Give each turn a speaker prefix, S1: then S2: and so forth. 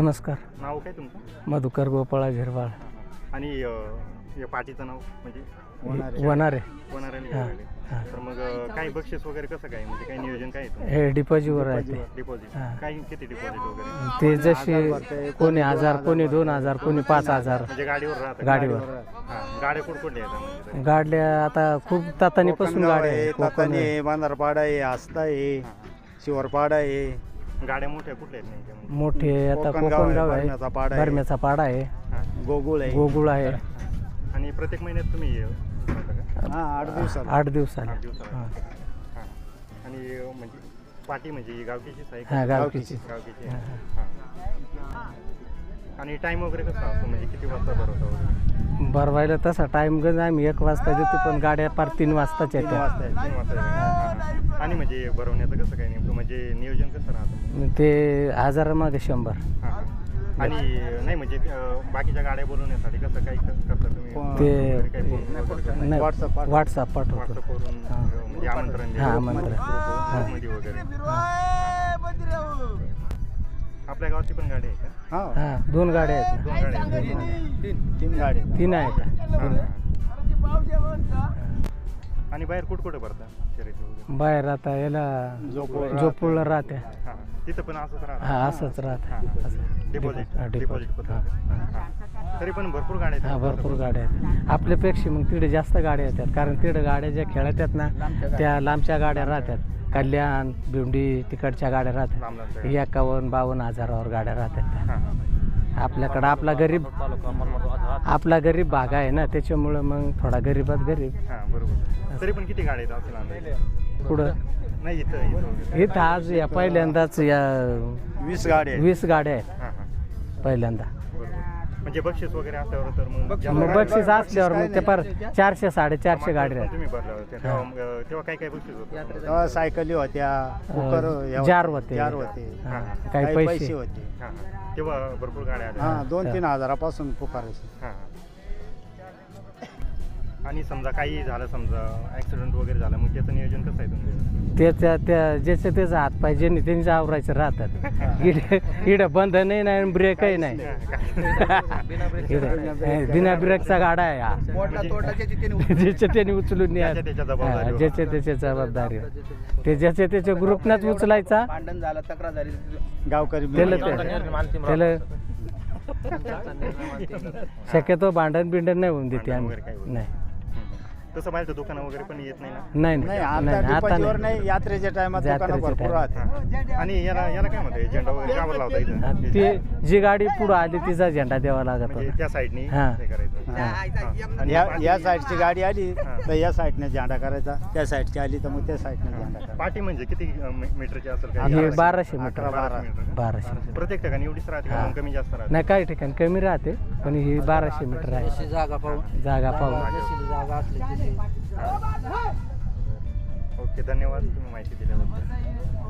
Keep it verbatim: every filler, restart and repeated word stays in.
S1: नमस्कार.
S2: नाव काय तुमचं?
S1: मधुकर गोपाळा झिरवाळ.
S2: आणि या पार्टीचं नाव म्हणजे
S1: वनारे.
S2: वनारे निघाले. तर मग काय बक्षीस वगैरे कसं काय म्हणजे काय नियोजन काय आहे?
S1: हे डिपॉझिटवर आहे ते.
S2: डिपॉझिट काय किती डिपॉझिट वगैरे?
S1: ते जसे कोणी हजार कोणी दोन हजार कोणी पाच हजार
S2: म्हणजे गाडीवर राहतात.
S1: गाडीवर.
S2: हां गाड्या कुठकुठल्या आहेत म्हणजे?
S1: गाड्या आता खूप तातानी पासून गाड्या आहेत.
S3: तातानी बांधारपाडा आहे, आस्था आहे, शिवरपाडा आहे.
S2: गाड्या मोठ्या कुठल्या आहेत नेमक्या म्हणजे?
S1: मोठे आता
S3: कोकणगाव आहे,
S1: कोकणगाव आहे,
S3: भरम्याचा पाडा आहे.
S1: भरम्याचा पाडा आहे,
S3: गोगुळ आहे.
S1: गोगुळ आहे.
S2: आणि प्रत्येक महिन्यात तुम्ही भरता का?
S3: हा आठ दिवसात
S1: आठ दिवसाला.
S2: आठ दिवसाला. हां. आणि म्हणजे पार्टी म्हणजे ही गावकीचीच आहे का?
S1: हा गावकीची.
S2: गावकीची आहे. हां. आणि टाइम वगैरे कसा असतो म्हणजे किती वाजता भरवता वगैरे?
S1: भरवायला तसा टाइम गज आम्ही एक वाजता देतो पण गाड्या पार तीन वाजताच
S3: तीन
S1: येतात.
S3: वाजता आहे.
S2: तीन वाजता आहे. हां. आणि म्हणजे भरवण्याचं कसं काय नेमकं म्हणजे नियोजन कसं राहतं?
S1: ते हजारामागे शंभर.
S2: हां हां. आणि नाही म्हणजे अं, बाकीच्या गाड्या बोलवण्यासाठी कसं काही क- करता तुम्ही?
S1: ते
S2: वगैरे काही फोन वगैरे करता?
S1: नाही,
S3: WhatsApp पाठवतो.
S1: व्हॉट्सअप पाठवतो.
S2: व्हॉट्सअपवरून
S1: हां.
S2: अं, म्हणजे आमंत्रण
S1: हां,
S2: द्यायचं.
S1: आमंत्रण.
S2: ग्रुप- ग्रुपमध्ये वगैरे. आपल्या गावाची पण गाडी आहे का?
S3: हा
S1: हा दोन गाड्या आहेत ना.
S2: दोन गाड्या आहेत.
S3: तीन तीन गाडी
S1: तीन आहेत का?
S2: हां, हां. आणि बाहेर कुठं कुठं भरता शर्यती वगैरे?
S1: बाहेर आता याला
S3: जोपूर
S1: जोपूळला राहते.
S2: हां तिथं पण असंच राहतं.
S1: हा असंच राहते.
S2: हां, हां.
S1: असं
S2: डिपॉझिट
S1: हा,
S2: डिपॉझिट
S1: डिपॉझिट.
S2: पद्धत.
S1: हां.
S2: हां. तरी पण भरपूर गाड्या
S1: हा
S2: आहेत.
S1: भरपूर गाड्या आहेत. आपल्यापेक्षा मग तिकडे जास्त गाड्या येतात कारण तिकडे गाड्या ज्या खेळतात ना त्या लांबच्या गाड्या राहतात. कल्याण भिवंडी तिकडच्या गाड्या
S2: लांब
S1: राहतात.
S2: लांबच्या.
S1: एकावन्न बावन्न हजारावर गाड्या राहतात त्या.
S2: हां, हां.
S1: आपल्याकडं आपला गरीब आपला गरीब भाग आहे ना त्याच्यामुळं मग थोडा गरीबात गरीब.
S2: हां बरोबर. तरी पण किती गाड्या आहेत असेल अंदाजे?
S1: पुढं
S2: नाही इथं इथं वगैरे.
S1: इथं आज या पहिल्यांदाच या
S3: वीस गाडी आहे.
S1: वीस गाड्या आहेत
S2: हां हां
S1: पहिल्यांदा.
S2: बरोबर. म्हणजे बक्षीस वगैरे असल्यावर तर मग जास्त
S1: मग
S2: गाड्या-
S1: बक्षीस असल्यावर मग ते पार चारशे साडेचारशे गाड्या
S2: पण
S1: आहेत.
S2: तुम्ही भरल्या होत्या तेव्हा मग, अं, तेव्हा काय काय बक्षीस होतं?
S3: तेव्हा सायकली होत्या, कुकर हे
S1: जार होते.
S3: जार होते,
S1: हा,
S2: हां.
S1: काही
S3: काही
S1: पैसे
S3: पैसे होते.
S2: हां हां तेव्हा भरपूर गाड्या आल्या.
S3: हा दोन तीन हजारापासून पुकारायचे.
S2: हां हां. आणि समजा काही झालं समजा ॲक्सिडेंट वगैरे झालं मग त्याचं नियोजन कसं आहे तुमचं?
S1: त्याच्या त्या ज्याचे त्याचं हात पाहिजे नाही त्यांनी आवरायचं राहतात. इडे इडे बंधनही नाही आणि ब्रेकही नाही. इकडे बिना ब्रेकचा गाडा आहे हा. ज्याच्या त्याने उचलून न्या.
S2: त्याच्या त्याच्या
S1: हा,
S2: जबाबदारीवर.
S1: ज्याच्या त्याच्या जबाबदारी ते ज्याच्या त्याच्या ग्रुपनाच उचलायचा.
S4: भांडण झालं, तक्रार झाली,
S3: गावकरी
S1: त्याला
S3: मिळून.
S1: त्याला शक्यतो भांडण बिंडण नाही होऊन देते
S2: भांडण
S1: आम्ही.
S2: वगैरे काही होत
S1: नाही
S2: तसं बाहेर दुकानं वगैरे पण येत नाही ना?
S1: नाही
S3: नाही
S1: नाही
S3: आता
S1: नाही, आता
S3: डिपॉझिटवर
S1: नाही.
S3: नाही, यात्रेच्या टायमात दुकानं
S1: यात्रेच्या
S3: भरपूर
S1: टायमात.
S3: राहते.
S2: हां. आणि याला याला काय म्हणतात झेंडा वगैरे कावर लावता
S1: हा,
S2: इथं?
S1: ती जी गाडी पुढं आली तिचा झेंडा द्यावा लागत
S2: म्हणजे
S1: होता.
S2: त्या साईडनी
S1: हां.
S2: हे करायचं.
S1: हां.
S2: हां. आणि
S3: या
S2: पार्टी-
S3: या साईडची गाडी आली
S2: हा.
S3: तर या साईडने झेंडा करायचा, त्या साईडची आली तर मग त्या साईडने झेंडा करायचा.
S2: पार्टी म्हणजे किती अं, मी- मीटरची असेल काय?
S1: हे बाराशे मीटर.
S3: अकरा बारा.
S2: मीटर.
S1: बाराशे.
S2: प्रत्येक ठिकाणी एवढीच राहते का?
S1: हां.
S2: मग कमी जास्त राहते?
S1: नाही काही ठिकाणी कमी राहते पण ही बाराशे मीटर आहे.
S4: जागा पाहून
S1: जागा पाहून.
S4: जशी जागा असली तशी.
S2: ओके धन्यवाद तुम्ही माहिती दिल्याबद्दल.